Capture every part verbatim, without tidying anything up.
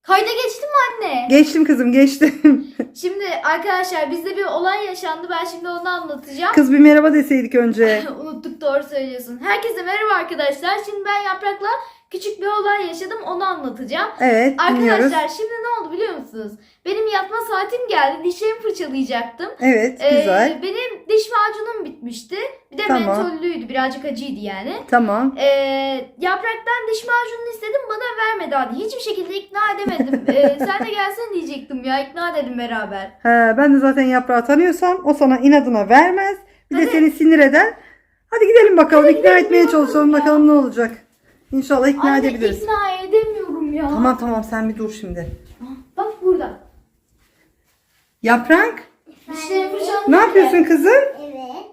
Kayda geçtin mi anne? Geçtim kızım, geçtim. Şimdi arkadaşlar bizde bir olay yaşandı. Ben şimdi onu anlatacağım. Kız bir merhaba deseydik önce. Unuttuk, doğru söylüyorsun. Herkese merhaba arkadaşlar. Şimdi ben Yaprak'la küçük bir olay yaşadım. Onu anlatacağım. Evet, dinliyoruz. Arkadaşlar şimdi ne oldu biliyor musunuz? Benim yatma saatim geldi. Dişlerimi fırçalayacaktım. Evet, Ee, güzel. benim diş macunum bitmişti. Bir de Tamam. mentollüydü. Birazcık acıydı yani. Tamam. Ee, Yaprak'tan diş macununu istedim. Bana vermedi hadi. Hiçbir şekilde ikna edemedim. Ee, sen de gelsen diyecektim ya. İkna edelim beraber. He, ben de zaten Yaprağı tanıyorsam o sana inadına vermez. Bir de Hadi. seni sinir eder. Hadi gidelim bakalım, Hadi ikna gidelim etmeye ya. çalışalım bakalım ne olacak. İnşallah ikna Anne edebiliriz. ikna edemiyorum ya. Tamam tamam, sen bir dur şimdi. Bak burada. Yaprak, Dişlerimi fırçaladım. ne yapıyorsun kızım? Evet.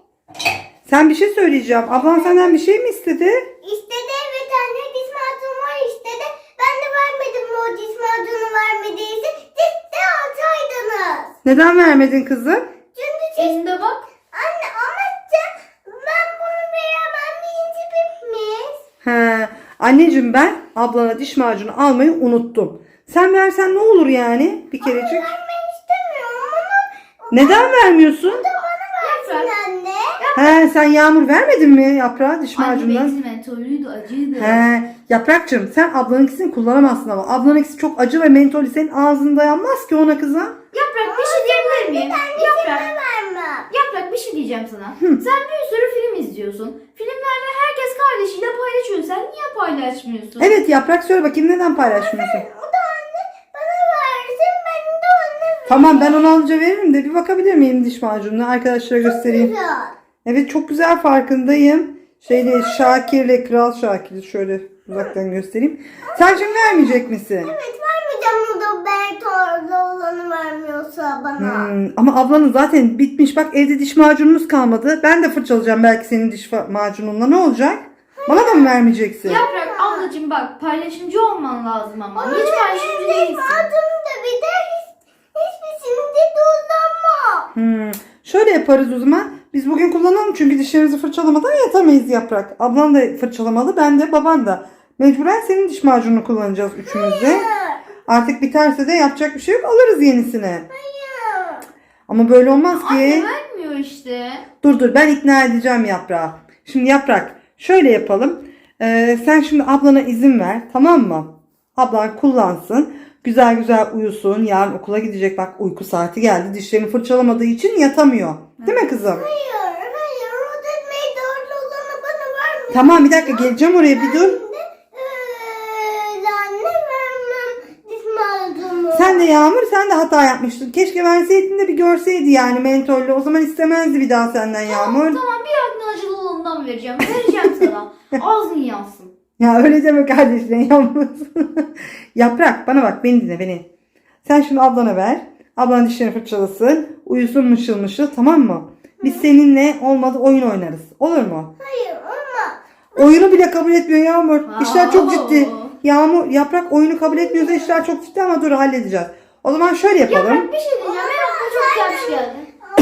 Sen bir şey söyleyeceğim. Ablan senden bir şey mi istedi? İstedi evet anne diş macunu var istedi. Ben de vermedim o diş macunu vermediyse. Siz de alsaydınız. Neden vermedin kızım? Çünkü siz... Elinde bak. Anne ama sen- ben bunu veremem deyince bitmiş. He, anneciğim ben ablana diş macunu almayı unuttum. Sen versen ne olur yani bir kerecik? Vermek istemiyorum ama Neden vermiyorsun? bana versin anne. He, sen Yağmur vermedin mi Yaprağa diş Anne macunundan? benimki mentollüydü, acıydı. He, Yaprakçığım sen ablanınkisini kullanamazsın ama ablanınkisi çok acı ve mentolü, senin ağzın dayanmaz ki ona kıza. Yaprak bir şey diyebilir miyim? Yaprak. Vermem. Yaprak bir şey diyeceğim sana. Sen bir sürü film izliyorsun. Filmlerde herkes kardeşiyle paylaşıyor. Sen niye paylaşmıyorsun? Evet Yaprak, söyle bakayım neden paylaşmıyorsun? O da anne bana versin ben de ona veririm. Tamam, ben onu alınca veririm de bir bakabilir miyim diş macununa, arkadaşlara göstereyim. Evet çok güzel, farkındayım. Şeyle Şakir'le Kral Şakir'i şöyle uzaktan göstereyim. Sen şimdi vermeyecek misin? Evet vermeyeceğim o da Bertor'da olanı vermiyorsa bana. Hmm, ama ablanın zaten bitmiş. Bak evde diş macunumuz kalmadı. Ben de fırçalayacağım belki senin diş fa- macununla. Ne olacak? Bana da mı vermeyeceksin? Yaprak ablacığım bak paylaşımcı olman lazım ama. Hiç paylaşımcı Benim değilsin. adım da bir de hiç, hiçbirisini de kullanma. Hmm, şöyle yaparız o zaman. Biz bugün kullanalım çünkü dişlerimizi fırçalamadan yatamayız Yaprak. Ablan da fırçalamalı, ben de, baban da. Mecburen senin diş macununu kullanacağız üçümüz de. Artık biterse de yapacak bir şey yok, alırız yenisini. Hayır. Ama böyle olmaz ki. Anne vermiyor işte. Dur dur, ben ikna edeceğim Yaprağı. Şimdi Yaprak şöyle yapalım. Ee, sen şimdi ablana izin ver, tamam mı? Ablan kullansın. Güzel güzel uyusun. Yarın okula gidecek, bak uyku saati geldi. Dişlerini fırçalamadığı için yatamıyor. Değil mi kızım? Hayır. Hayır. O da Bertor'da olanı bana vermiyor. Tamam, bir dakika geleceğim oraya, bir dur. Eee, anne vermem diş macunu. Sen de Yağmur, sen de hata yapmıştın. Keşke verseydin de bir görseydi yani mentollü. O zaman istemezdi bir daha senden Yağmur. Tamam bir aklın acılı olanından vereceğim. Vereceğim sana. Ağzın yansın. Ya öyle deme kardeşine Yağmur. Yaprak bana bak, beni dinle beni. Sen şimdi ablana ver. Ablan dişlerini fırçalasın. Uyusun mışıl mışıl, tamam mı? Biz seninle olmadı oyun oynarız. Olur mu? Hayır ama. Oyunu bile kabul etmiyor Yağmur. İşler çok Aa. ciddi. Yağmur, Yaprak oyunu kabul etmiyorsa işler çok ciddi ama dur halledeceğiz. O zaman şöyle yapalım. Yaprak bir şey diyeceğim. Ben aklıma çok güzel bir şey geldi.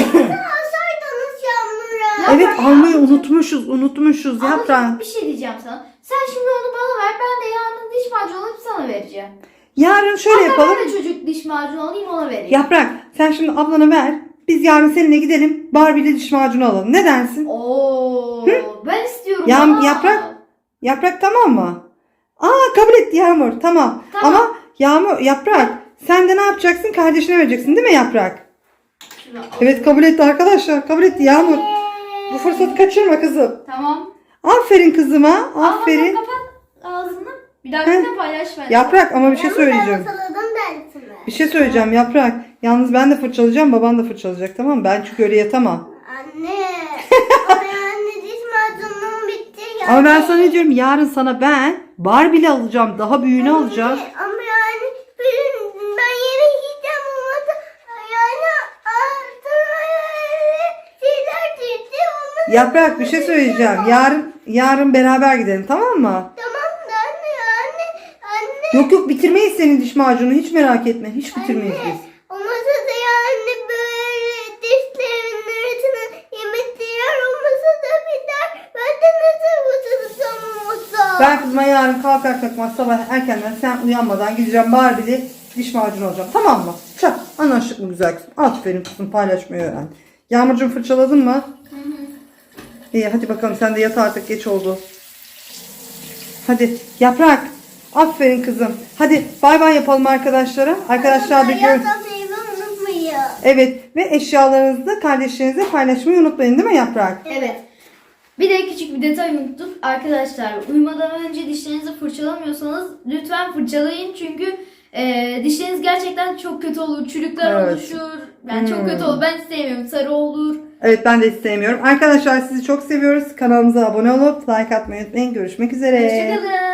Alsaydınız Yağmur'a. Evet, Yaprak, almayı unutmuşuz unutmuşuz Yaprak. Ablacığım bir şey diyeceğim sana. Sen şimdi onu bana ver. Ben de yarın diş macunu alıp sana vereceğim. Yarın şöyle Hatta yapalım. ben de çocuk diş macunu alayım ona vereyim. Yaprak sen şimdi ablana ver. Biz yarın seninle gidelim Barbie'li diş macunu alalım. Ne dersin? Oo, ben istiyorum. Ya- ama. Yaprak? Yaprak tamam mı? Aa, kabul etti Yağmur, tamam. Tamam. Ama Yağmur, Yaprak sen de ne yapacaksın? Kardeşine vereceksin değil mi Yaprak? Şunu al. Evet, kabul etti arkadaşlar, kabul etti Yağmur. Bu fırsatı kaçırma kızım. Tamam. Aferin kızıma, Al aferin. bakalım, kapat ağzını. Bir dahakine paylaş ben. Yaprak ama bir şey söyleyeceğim. Saladım dersini. Bir şey söyleyeceğim Yaprak. Yalnız ben de fırçalayacağım, baban da fırçalayacak, tamam mı? Ben çünkü öyle yatamam. Anne. Ama anne diş macunum bitti ya. Ama ben sana ne diyorum, yarın sana ben Barbie'li alacağım, daha büyüğünü alacağım. Ama yani ben, ben yere gideceğim ama da yani altına şeyler çıktı. Onu Yaprak bir şey söyleyeceğim. Yarın yarın beraber gidelim, tamam mı? tamam da anne anne anne. Yok yok, bitirmeyiz senin diş macunu, hiç merak etme. Hiç bitirmeyiz biz. O masada yani böyle dişlerin arasına yemekler o masada biter. Ben de nasıl oturursam o masa. Ben kızıma yarın kalkar kalkmaz sabah erkenden, sen uyanmadan gideceğim Barbie'li diş macunu alacağım. Tamam mı? Çak. Anlaştık mı güzel kızım? Aferin kızım, paylaşmayı öğren. Yağmurcuğum fırçaladın mı? Hı hı. İyi hadi bakalım, sen de yat artık, geç oldu. Hadi Yaprak. Aferin kızım. Hadi bay bay yapalım arkadaşlara. Arkadaşlar da gör. Yapmayı unutmayın. Evet, ve eşyalarınızı da kardeşlerinizle paylaşmayı unutmayın, değil mi Yaprak? Evet. Bir de küçük bir detay unuttuk. Arkadaşlar uyumadan önce dişlerinizi fırçalamıyorsanız lütfen fırçalayın. Çünkü e, dişleriniz gerçekten çok kötü olur. Çürükler Evet. oluşur. Yani Hmm. çok kötü olur. Ben sevmiyorum. Sarı olur. Evet, ben de istemiyorum. Arkadaşlar sizi çok seviyoruz. Kanalımıza abone olup like atmayı unutmayın. Görüşmek üzere. Hoşçakalın.